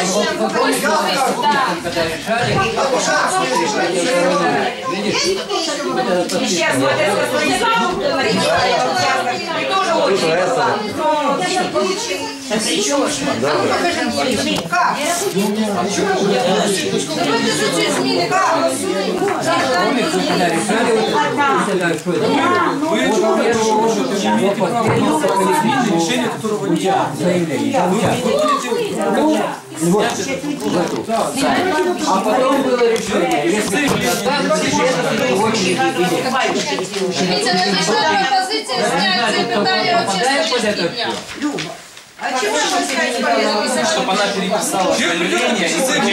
Сейчас вот это тоже очень решение, которого нет. А потом было решение, если пропозиция снять питание вообще с повестки дня. А чего вы сказать? Чтобы она переписала заявление и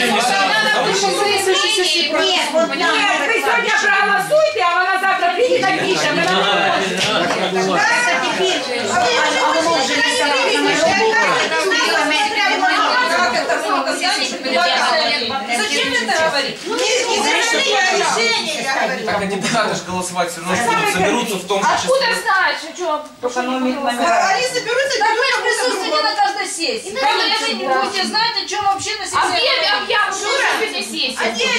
Нет, вы сегодня проголосуйте, а она завтра придет и напишет. Зачем это говорить? Так, а депутаты же голосовать все равно соберутся в том числе. Откуда знаешь, что? Они соберутся, да вы присутствуете на каждой сессии. Конечно, не будете знать, о чем вообще на сессии. Объявлено, что на сессии.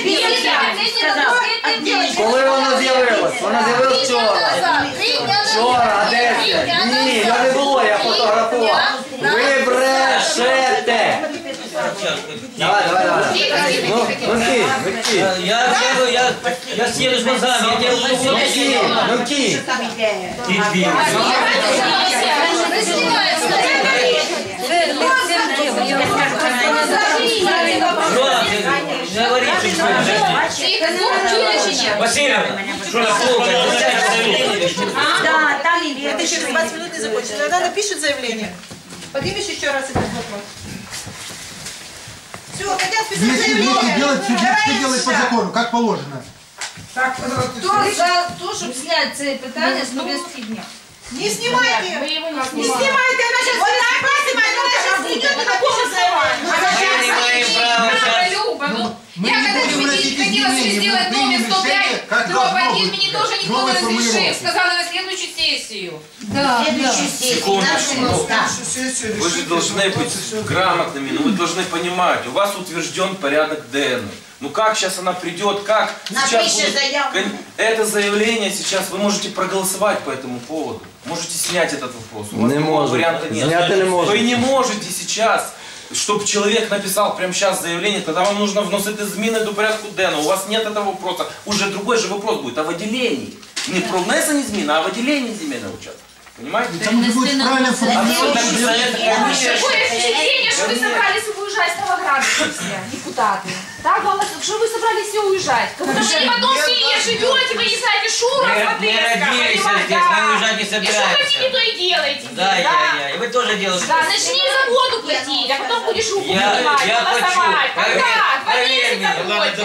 Коли вона з'явилась? Вона з'явилась вчора. Вчора, 10. Ні, я не було, я фотографував. Ви брешете. Давай. Ну, ки. Я съеду с глазами, я делаю Ну, ки. Васильевна, что на полке? Да, там это через 20 минут не закончится. Тогда напишет заявление. Поднимешь еще раз этот вопрос. Все, хотят писать заявление. Все делать по закону, как положено. Кто за то, чтобы снять це питання з повестки дня? Не снимайте. Мы его не Не снимаем. снимайте, она сейчас вот так снимает, она сейчас придет и напишет заявление. Люба, ну, я когда ходила сделать доме 105, дробь 1, мне тоже никто не разрешил. Сказала на следующую сессию. Да. Вы же должны быть грамотными, но вы должны понимать, у вас утвержден порядок ДН. Ну как сейчас она придет, как сейчас будет... Это заявление сейчас, вы можете проголосовать по этому поводу. Можете снять этот вопрос. У вас такого варианта нет. Вы не можете сейчас, чтобы человек написал прямо сейчас заявление, тогда вам нужно вносить измены до порядку ДН. У вас нет этого вопроса. Уже другой же вопрос будет о выделении. Не про внесение измен, а о выделении земельного участка. Понимаете? Там уже будет правильно Такое впечатление, что вы собрались уезжать с Новограда все, депутаты. Так, что вы собрались все уезжать. Потому что вы в одном селе живете, вы не знаете Шура, Мы родились здесь, мы уезжать не и что собираемся. хотите, то и делаете. Да, и вы тоже делаете. Да, начни за воду платить, а потом будешь руку поднимать, Я голосовать. хочу. Проверь меня.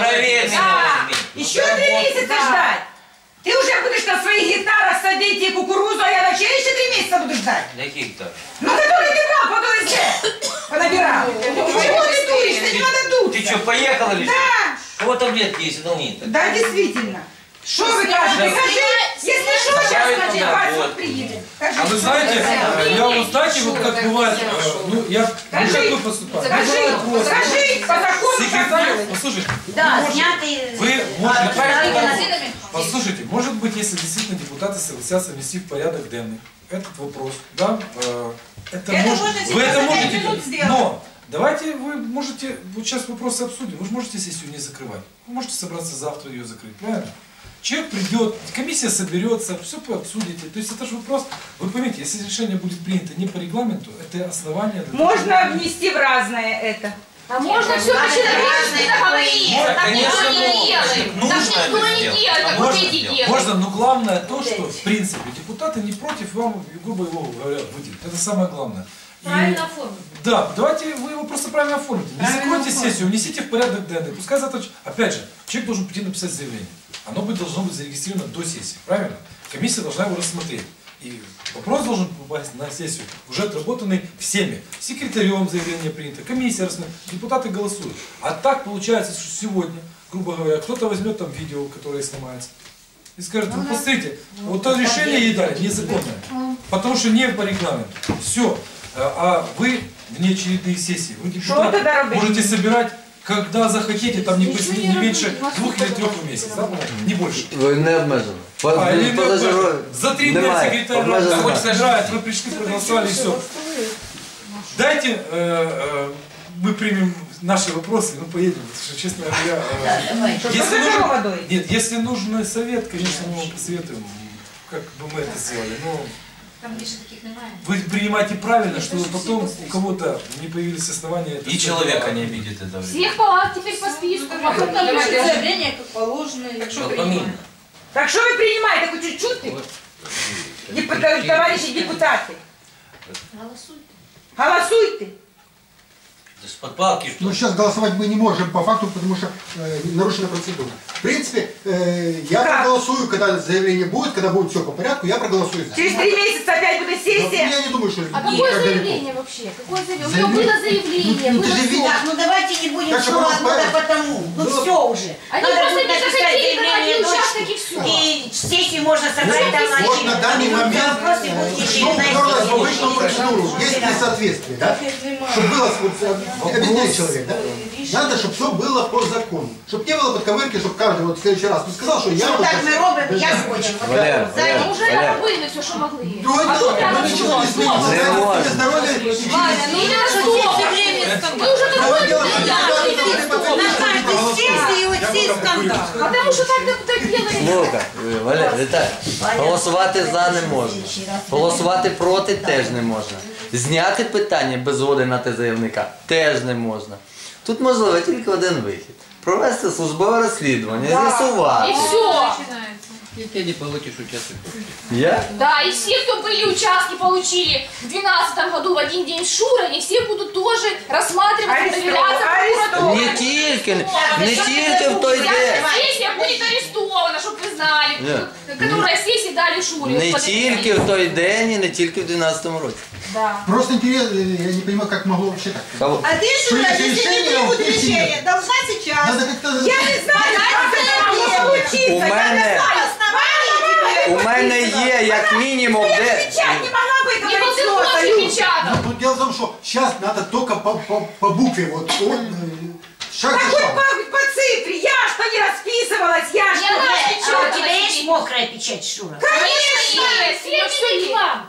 Еще 3 месяца ждать. Ты уже будешь на своих гитарах садить и кукурузу, а я вообще еще 3 месяца буду ждать. Какие гитары? Ну, который ты брал по ДСД. Понабирал. Чего ты дуришь? Ты не надо дуть. Ты что, поехала ли? Да. Вот таблетки есть, одолни. Да, действительно. Что вы кажете? Скажи, если что, сейчас скажи, вас приедет. А вы знаете, я вот знаете, вот как бывает, ну я как вы поступаете? Скажи, по закону Секретарь, послушайте, да, снятый. вы можете, послушайте, может быть, если действительно депутаты согласятся внести в порядок денный этот вопрос, да, вы это можете, но давайте вы можете, вот сейчас вопросы обсудим, вы же можете сессию не закрывать, вы можете собраться завтра ее закрыть, правильно? Человек придет, комиссия соберется, все обсудите. То есть это же вопрос, вы поймите, если решение будет принято не по регламенту, это основание... Можно внести в разное это. А можно все по-человечески договориться, так никто не делает. Так никто не делает, как вот эти делают. Можно, но главное то, что в принципе депутаты не против вам, грубо говоря, выделить. Это самое главное. Правильно оформить. Да, давайте вы его просто правильно оформите. Не закройте сессию, внесите в порядок ДНК. Пускай завтра, опять же, человек должен прийти написать заявление. Оно должно быть зарегистрировано до сессии, правильно? Комиссия должна его рассмотреть. И вопрос должен попасть на сессию, уже отработанный всеми. Секретарем заявление принято, комиссия рассмотрит, депутаты голосуют. А так получается, что сегодня, грубо говоря, кто-то возьмет там видео, которое снимается, и скажет, ну посмотрите, вот то решение ей дали незаконное, потому что не по регламенту. Все. А вы внеочередные сессии. Вы, Что депутаты, тогда робить? можете собирать, когда захотите, там не меньше 2 или 3 в месяц, да, не больше. Ви не обмежено. Или за 3 дня секретарь Обмежено. сажает, вы пришли, проголосовали и все. Дайте, мы примем наши вопросы, ну поедем, потому что, честно говоря, если нужен совет, конечно, мы вам посоветуем, как бы мы это сделали, но вы принимаете правильно, чтобы потом у кого-то не появились основания. Это И человека не обидит это. Всех палат теперь по списку. Заявление как положено. Так что вы принимаете, хоть чуть-чуть? Товарищи депутаты. Голосуйте. С подпалки что? Ну, сейчас голосовать мы не можем по факту, потому что нарушена процедура. В принципе, я проголосую, когда заявление будет, когда будет все по порядку, я проголосую за. Через 3 месяца опять будет Но сессия. я не думаю, что А так какое далеко. заявление вообще? Какое заявление? У него было заявление, Ну, ты было же видишь. все. Ну давайте не будем Так все что одно просто- да потому. Ну Ну, все уже. Они Надо просто будет не написать захотели заявление давать дочке. участок и все. И сессию можно собрать там на Вот на данный момент вопросы будут что решены уперлось в на обычную процедуру, есть несоответствие, да? Чтобы было, объясняет человек, да? Надо, чтобы все было по закону. Чтобы не было подковырки, чтобы каждый вот в следующий раз не сказал, что я Что вот так мы робим, я хочу. Валер, Ну уже Валер. робили все, що могли. Другое А дело, тут прямо но ничего не что? изменится. Не Здоровье, может. здоровье, Ну не на что? Мы уже Другое такое дело, На каждой сессии вот сесть скандал. Потому що так делали. Слухай, Валер, Віталій, голосувати за не можна. Голосувати проти теж не можна. Зняти питання без згоди на те заявника теж не можна. Тут можливо тільки один вихід. Провести службове розслідування, з'ясувати. И все. И ты не получишь участок. Я? Да, и все, кто были участки, получили в 2012 году в один день Шура, они все будут тоже рассматриваться, проверяться. Не тільки, не тільки в той день. Сессия будет арестована, чтобы вы знали. Нет. Которая сессия дали Шуре. Не тільки в той день і не тільки в 12-му році. Да. Просто интересно, я не понимаю, как могло вообще так. Кого? А ты, Шура, Принять если не решение, примут вот и решение, должна сейчас. Надо как-то... Я не знаю, как это могло случиться. У мене, у мене є як мінімум де... Печать не могла бы Не говорить был что-то. ты печатал. Ну, тут дело в том, что сейчас надо только по букве, вот, шаг за Хоть шагом. по цифре. Я что не расписывалась, я Я что... раз А у печатала тебя есть себе. мокрая печать, Шура? Конечно, есть. Все есть вам.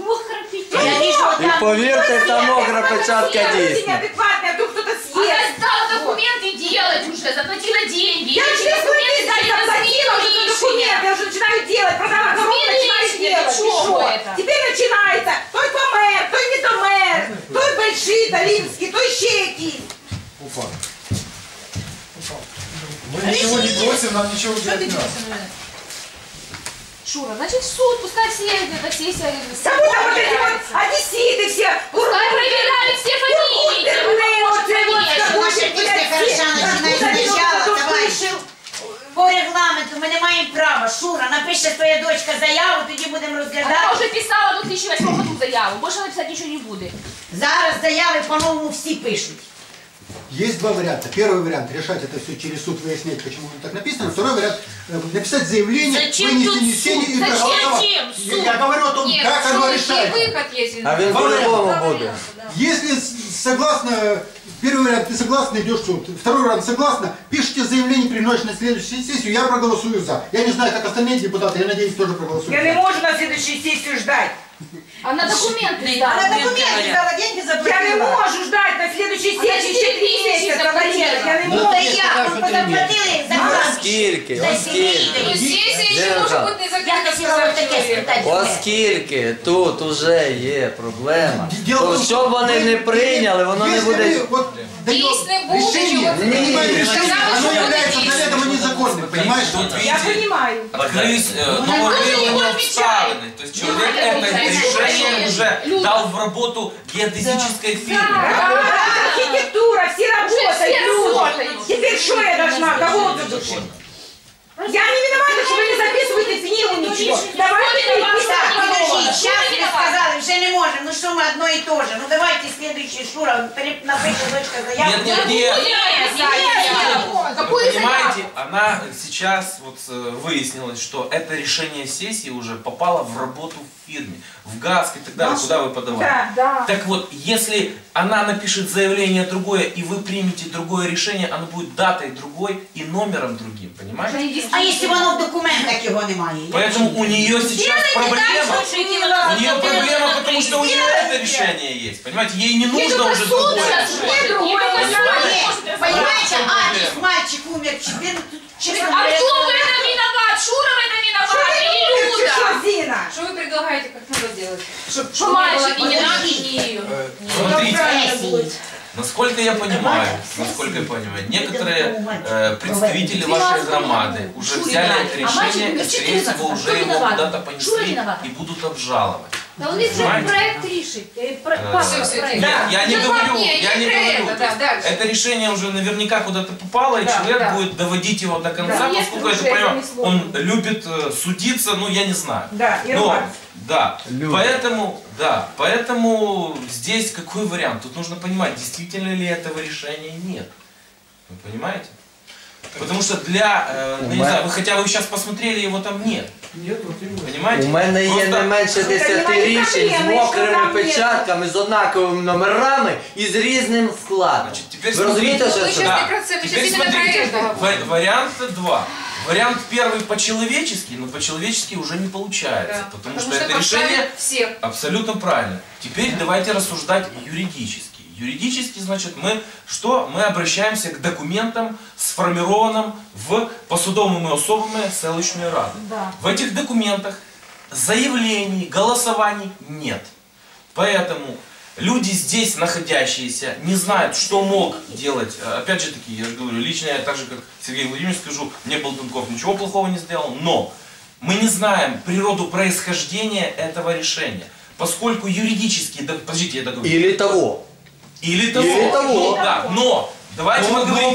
Я вижу, вот І там... повірте, та мокра печатка Я дійсна. неадекватная, вдруг кто-то Она съест. сдала документы делать уже, заплатила деньги. Я Эти через документы документы дали на заплатила уже за документы, я уже начинаю делать, продала коробку, начинаю Смирись, делать. для И чего что? это? Теперь начинается, той помер, той не домер, той больший, долинский, той ще якийсь. Уфа. Мы ничего не просим, нам ничего делать не надо. Шура, значит в суд, пускай все эта сессия. Кому там вот эти вот одесситы все, Пускай проверяли все фамилии. Слушай, після хороша починає спочатку, товариш. По регламенту ми не маємо права. Шура, напише твоя дочка заяву, тоді будемо Она розглядати. уже писала в 2008 году заяву, больше написать ничего не будет. Зараз заяви по-новому всі пишуть. Есть два варианта. Первый вариант — решать это все через суд, выяснять, почему так написано. Второй вариант — написать заявление, Зачем вынести тут несение суд? и проголосовать. Зачем суд? Я говорю о том, как оно решается. выход есть. А він по-любому буде. Если согласно, первый вариант, ты согласна, идешь в суд. Второй вариант, согласна, пишите заявление, приносите на следующую сессию, я проголосую за. Я не знаю, как остальные депутаты, я надеюсь, тоже проголосуют Я не за. могу на следующую сессию ждать. Она документы Она сдала. документы дала, деньги заплатила. Я не могу ждать на следующей Она сессии, 4 4 месяца, Валерия, я не Ну могу. то як? Ми заплатили за грант. Оскільки, За оскільки. Но сімейний. сессия еще может быть не Я закрыта, хотіла сказал вот таке человек. спитати. Оскільки тут уже є проблема, Дело в то том, що б вони не прийняли, воно не Если буде... мы вот даем Есть не будет, решение, чего ты не принимаем будешь. решение, Сказала, оно что является будет заведомо незаконным, понимаешь? Тут Я видите, понимаю. открылись ну, новые ну, обставины. То есть человек ну, это ну, решение ну, уже люди. дал в работу геодезической фирме. Архитектура, все работают, все люди. работают. Теперь что я должна? Кого задушить? Я не виновата, что вы не записываете книгу ничего. Давайте переписать Так, подожди, по-новому. сейчас ви сказали, вже не можемо, ну що ми одно і то же. Ну давайте следующий, Шура, напише дочка заяву. Нет, нет, нет. Нет, какую понимаете, заявку? она сейчас вот выяснилось, что это решение сессии уже попало в работу в фирме, в ГАСК и так далее, куда вы подавали. Да. Так вот, если она напишет заявление другое, и вы примете другое решение, оно будет датой другой и номером другим, понимаете? А якщо воно в документах його немає? Поэтому у нее сейчас проблема. У У нее проблема, потому что у нее это решение есть. Понимаете, ей не нужно уже другое. Понимаете, адрес, мальчик умер, честно А говоря. кто в этом виноват? Шура в этом виноват или Люда? Зина? Что вы предлагаете, как надо делать? Что Мальчик и не было? надо, и не ее. Смотрите, насколько я понимаю, некоторые представители вашей громады уже взяли это решение, скорее всего, уже его куда-то понесли и будут обжаловать. Да у них же проект рішить. Я не говорю. Это решение уже наверняка куда-то попало, и человек будет доводить его до конца, поскольку я понимаю, он любит судиться, ну я не знаю. Поэтому здесь какой вариант? Тут нужно понимать, действительно ли этого решения нет. Вы понимаете? Потому что не знаю, хотя вы сейчас посмотрели, его там нет. Понимаете? У мене є не менше 10 рішень з мокрими печатками, з однаковими номерами і з різним складом. Ви розумієте, що це? Теперь смотрите, вариант 2. Вариант первый по-человечески, но по-человечески уже не получается, потому что это решение абсолютно правильно. Теперь давайте рассуждать юридически. Юридически, значит, мы обращаемся к документам, сформированным в посудовыми особами селищної ради. В этих документах заявлений, голосований нет. Поэтому люди здесь находящиеся не знают, что мог делать. Опять же таки, я же говорю, лично я так же, как Сергей Владимирович, скажу, мне Болтунков ничего плохого не сделал, но мы не знаем природу происхождения этого решения. Поскольку юридически, подождите, я договорю. Или того. Или того. Да, но давайте мы говорим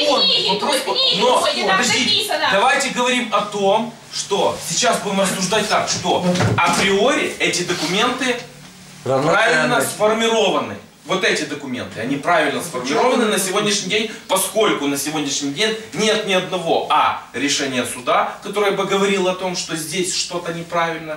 давайте говорим о том, что сейчас будем рассуждать так, что априори эти документы правильно сформированы. Вот эти документы, они правильно сформированы на сегодняшний день, поскольку на сегодняшний день нет ни одного решения суда, которое бы говорило о том, что здесь что-то неправильно,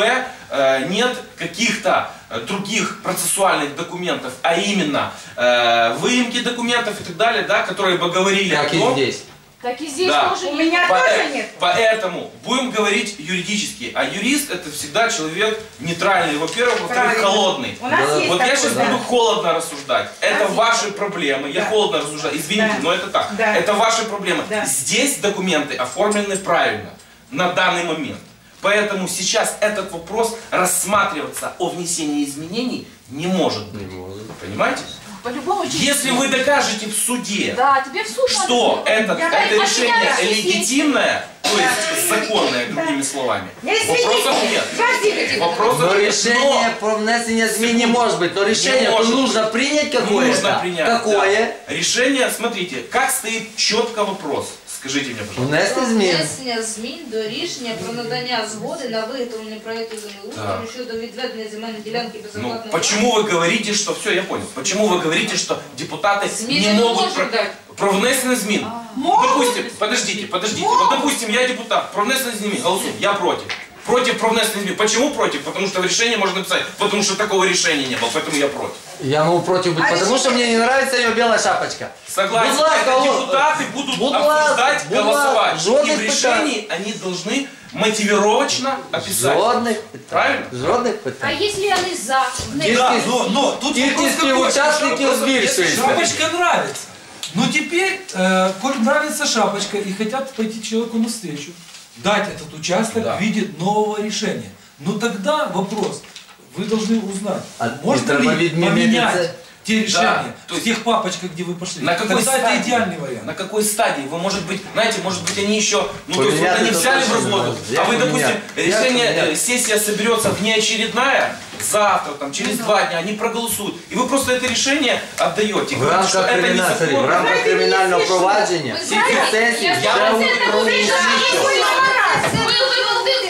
нет каких-то других процессуальных документов, а именно выемки документов и так далее, да, которые бы говорили о том... здесь. Так и здесь тоже у меня тоже нет. Поэтому будем говорить юридически. А юрист это всегда человек нейтральный, во-первых, во-вторых, холодный. Вот я сейчас буду холодно рассуждать. Это ваши проблемы. Я холодно рассуждаю. Извините, но это так. Это ваши проблемы. Здесь документы оформлены правильно на данный момент. Поэтому сейчас этот вопрос рассматриваться о внесении изменений не может быть. Понимаете? По-любому, если вы докажете в суде, тебе в суд что это решение легитимное, то есть законное, другими словами, вопросов нет. Но решение про внесение змін не может быть, но решение то нужно принять какое-то. Нужно принять. Какое? Решение, смотрите, как стоит четко вопрос. Скажите мне, пожалуйста. Внесення змін до рішення про надання згоди на виготовлення проєкту землеустрою щодо відведення земельної ділянки безоплатно. Почему вы говорите, что... Все, я понял. Почему вы говорите, что депутаты не могут... Про внесення змін. Допустим, подождите. Вот, допустим, я депутат. Про внесення змін голосую. Я против. Против про внесення змін. Почему против? Потому что в решении можно написать, потому что такого решения не было, поэтому я против. Я могу против быть, потому что мне не нравится ее белая шапочка. Согласен. Это депутаты будут обсуждать, голосовать. И в решении они должны мотивировочно описать. Правильно? Жодних питань. А если они за? Но тут кількість учасників збільшується. Шапочка нравится. Но теперь, коль нравится шапочка и хотят пойти человеку навстречу, дать этот участок в виде нового решения. Но тогда вопрос, вы должны узнать, можно ли поменять те решения в тех папочках, где вы пошли. На какой тогда это идеальный вариант. На какой стадии? Вы, может быть, знаете, может быть, они еще, то есть вот они взяли в работу, а вы, допустим, решение, сессия соберется внеочередная, завтра, там, через 2 дня, они проголосуют. И вы просто это решение отдаете. В рамках криминального провадження, я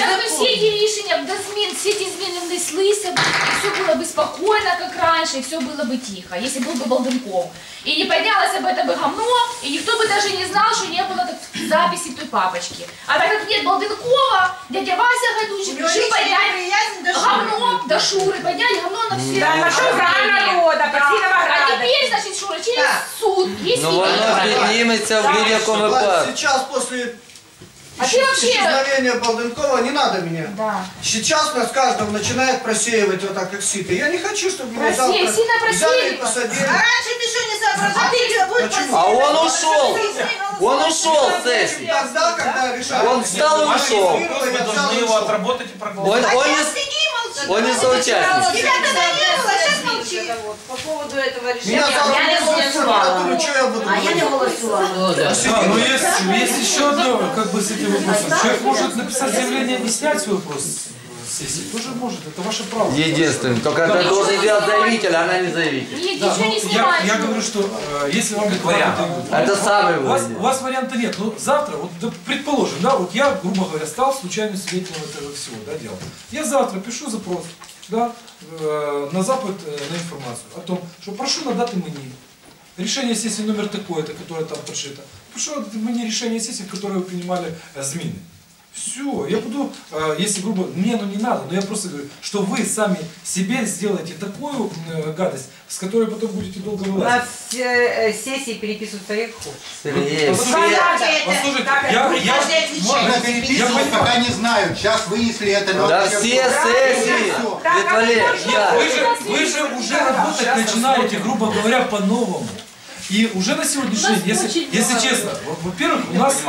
якби всі ті рішення до змін, всі ті зміни внеслися, и все было бы спокойно, как раньше, и все было бы тихо, если был бы Балденков. И не поднялось бы это бы говно, и никто бы даже не знал, что не было записи в той папочке. А так как нет Балденкова, дядя Вася Гайдучик решил поднять говно до Шуры, поднять говно на все. Да, на Шура народа, А теперь, значит, Шура, через суд, есть Ну воно підніметься в будь-якому випадку. Сейчас после А ты вообще... исчезновения Балденкова не надо меня. Да. Сейчас нас каждого начинает просеивать вот так, как сито. Я не хочу, чтобы меня Просеяли, завтра сильно просеяли. взяли и посадили. А раньше ты что не соображал? Почему? А он ушел. Он ушел с сессии. Тогда, когда решали. Он встал и ушел. Вы должны его отработать и проголосовать. Он не соучастник. Тебя тогда не было, сейчас молчи. По поводу этого решения. Меня завтра не голосовала. что я буду А я не говорить? голосувала. Да, но есть еще одно, как бы с этим вопросом. Человек может написать заявление и снять свой вопрос с сессии. Тоже может, это ваше право. Единственное, только это должен делать заявитель, а она не заявитель. Нет, Да, ничего ну, не снимать. я говорю, что если вам вариант. Это самый у вас, вариант. у вас варианта нет. Но завтра, вот да, предположим, да, вот я, грубо говоря, стал случайным свидетелем этого всего, да, дела. Я завтра пишу запрос, да, на Запад на информацию о том, что прошу надати мені решение сессии номер такое-то, которое там подшито. Прошу надати мені решение сессии, в которой вы принимали змины. Все, я буду, если грубо, мне оно не надо, но я просто говорю, что вы сами себе сделаете такую гадость, с которой потом будете долго У нас вылазить. сессии переписываются як хочешь. Сергей. Послушайте, Можно переписывать, пока не знаю. Сейчас вынесли это. но Да вообще все всё. сессии. Дед Валерий, да. вы же уже работать начинаете, грубо говоря, по-новому. И уже на сегодняшний день, если честно, во-первых, у нас,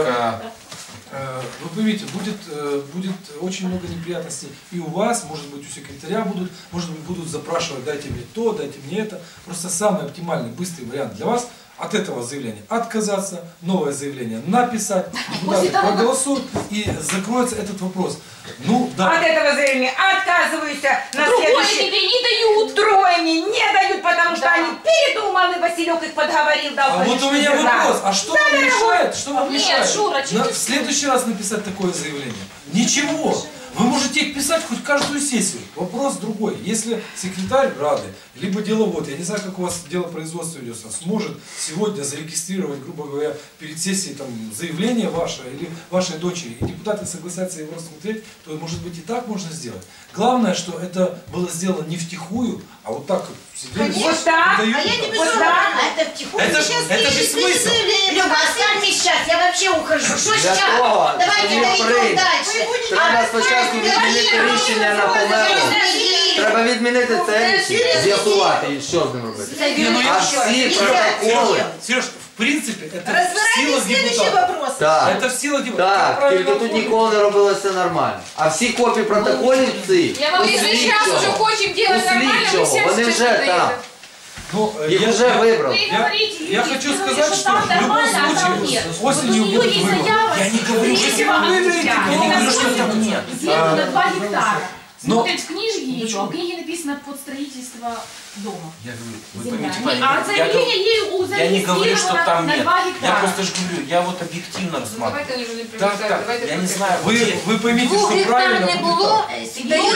вы поймите, будет очень много неприятностей и у вас, может быть, у секретаря может быть, будут запрашивать, дайте мне то, дайте мне это. Просто самый оптимальный, быстрый вариант для вас от этого заявления отказаться, новое заявление написать, депутаты проголосуют и закроется этот вопрос. Ну, да. От этого заявления отказываюсь. На Другое тебе не дают. Другое мне не дают, потому что они передумали, Василек их подговорил, дал. А вот у меня вопрос, а что вам мешает? Что вам Нет, мешает? Шура, В следующий раз написать такое заявление? Ничего. Вы можете их писать хоть каждую сессию. Вопрос другой. Если секретарь Рады, либо деловод, я не знаю, как у вас дело производства ведется, сможет сегодня зарегистрировать, грубо говоря, перед сессией там, заявление ваше или вашей дочери, и депутаты согласятся его рассмотреть, то, может быть, и так можно сделать. Главное, что это было сделано не втихую, а вот так вот сидели. Вот так. дают. А я не Вот безумна. так. Это втихую. Это Сейчас же пишет, смысл. заявление. Люба, оставь сейчас, я вообще ухожу. Что Для сейчас? того, Давайте щоб дойдем прийняти. дальше. Треба спочатку відмінити рішення на помилку. Треба відмінити це рішення, з'ясувати, і що з ним робити. А всі протоколи. Сереж, в принципе, это в Разбирайтесь силах в следующий депутатов. вопрос. Так, Это в силах депутатов. Как так, правильно тільки тут оформить? ніколи не робилося нормально. А всі копії протоколів ці, Я вам, если сейчас уже хотим делать нормально, мы всем вони сейчас вже там. надоедем. Ну, Їх вже вибрали. Вы говорите, я люди, хочу ну, сказать, что там в любом нормально, а там случае нет. осенью Вот у будут нее есть выборы. заява, Я не говорю, что третьего вы выберете, октября. я не говорю, что Она там смотрит нет. землю на 2 гектара. Но- Смотрит в книжке ее, а в книге написано под строительство дома. Я говорю, вы Земля. поймите, А заявление ей я не говорю, что там на нет. 2 Я гектара. просто же говорю, я вот объективно рассматриваю. Давайте уже не Так, привлекать, так, давайте я не просто- знаю. Вы поймите, что правильно будет так. Да у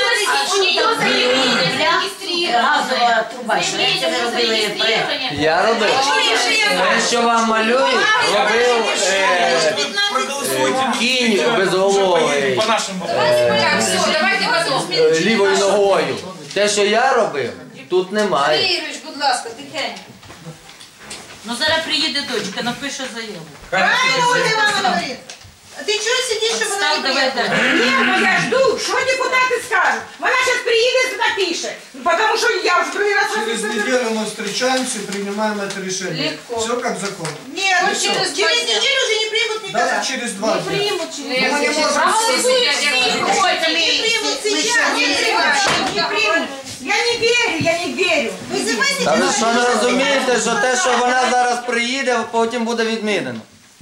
нее заявление зарегистрировано. Газова труба. Що Заявление це ви робили проект? зарегистрировано. Я робив. Те, що вам малюють, робив Проголосуйте. кінь Уже безголовий поедем по нашему. Так, все, давайте потом. лівою ногою. Те, що я робив, тут немає. Сергій Юрійович, будь ласка, тихенько. Ну зараз приїде дочка, напише заяву. Правильно Ольга Ивановна говорит. А ты что сидишь, чтобы она не приехала? Ні, ну я жду, що депутати скажуть. Вона зараз приїде і напише. Тому що я вже другий раз Через неделю мы встречаемся и принимаем это решение. Легко. Все как закон. Нет, Ну, ну что, через через 2 дня. неделю уже не примут никогда. Даже через 2 дня. Примут через Мы не можем Проголосуем все, Не примут сейчас, не примут. не примуть. Я не вірю, я не вірю. Вызывайте Та ви депутатов. що не розумієте, що те, що вона зараз приїде, потім буде відмінено.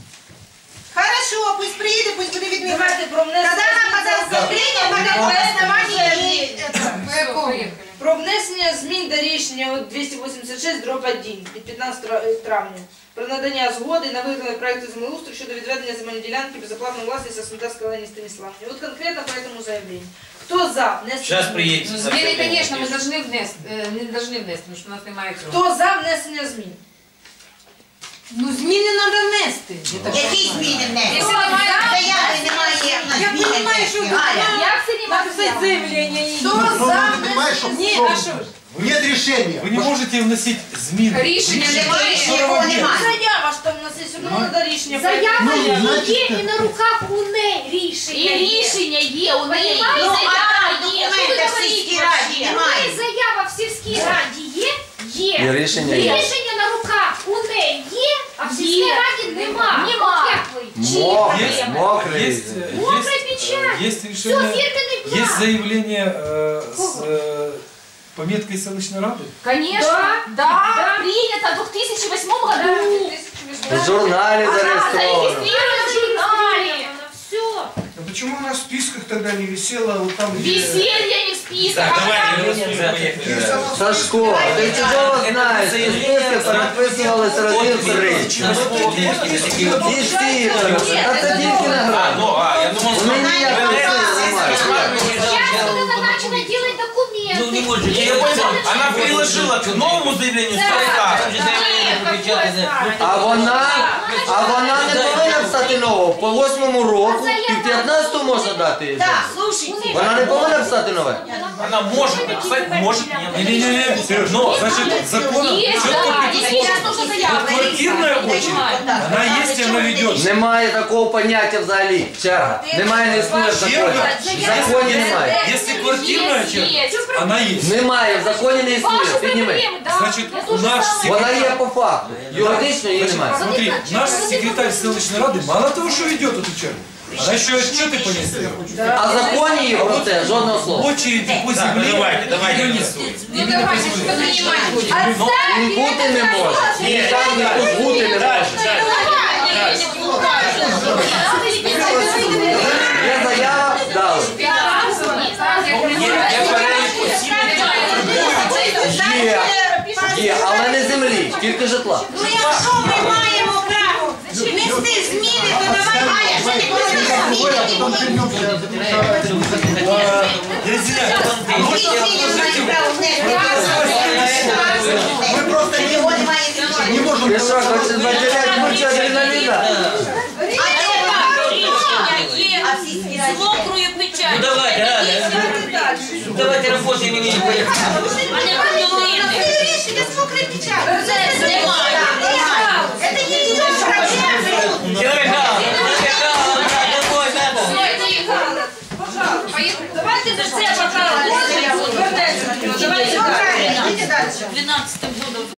Хорошо, пусть приедет, пусть будет видно. Давайте про внесення Когда она змін до подаст заявление, закону. тогда по основанию ей это. Все, поїхали. Про внесення змін до рішення 286/1 від 15 травня про надання згоди на виготовлення проекту землеустрою щодо відведення земельної ділянки безоплатної власності Смолдавської Олені Станіславівні. Вот конкретно по этому заявлению. Кто за внесення? Сейчас приедете. Зміни, конечно, мы должны внести, не должны внести, потому что у нас немає цього. Хто за внесення змін? Ну, зміни треба внести. Які зміни внести? Якщо немає заяви, немає Я розумію, що Як це немає заявлення? Ну, ты понимаешь, что Ні, а що ж? нет решения. Вы не можете вносить зміни. Рішення немає. Нікого немає. Заява ж там у нас є, все одно треба рішення. Заява Ну, є і на руках у неї рішення. І рішення є у неї. Ну, Заява а є. документи в сільській раді У немає. неї заява в сільській раді є? Є. І рішення є. Рішення на руках у неї є, а в сільській раді нема. Мокрый. Мокрая печать. Есть Все, решение, фирменный план. есть заявление с пометкой селищной рады? Конечно, да. Принято в 2008 году. В журнале зарегистрировано. Зарегистрировано в журнале. Все. А почему она в списках тогда не висела вот там, где... Веселье не в списках. Так, давайте. Сашко, ты чудово знаешь, что в списке подписывалось один Действительно. Это Дикина град. Я думал, У меня Сейчас вот это начало делать документы. Ну, не может. я понял. Она приложила к новому заявлению А вона не повинна писати нового. По 8-му року і в 15-му можна дати їй. Так, слушайте. Вона не повинна писати нове. Она может написать, может нет. Не-не-не, Сереж, но, значит, законом Есть, четко да. Сейчас нужно заяву. квартирная очередь, она есть и она ведется. Немає такого поняття взагалі. Черга. Немає, не існує в законі. В законі немає. Если квартирная черга, она есть. Немає, в законі не існує. Підніми. Значит, наш Вона є по факту. Юридично її немає. Смотри, наш секретарь селищной рады мало того, что ведет эту чергу, она еще отчеты по ней сдает. А в законі є про це жодного слова. Очереди по земле давайте. ее нет. Ну, давайте, що приймати будемо. Він бути не може. І там ніхто бути не може. Є заява, дали. Є, але не землі, тільки житла. Ну якщо ми маємо право внести зміни, то давай, Галя, що ти будеш зміни? Які зміни маємо право внести? Мы просто Його немає не можем... Ти що, хочеш потеряти кучу адреналіна? А в сільській раді? Мокрую печать. Ну давайте, Галя. Давайте работаем и не поехали. Це рішення з мокрим печатом. Це немає. Це не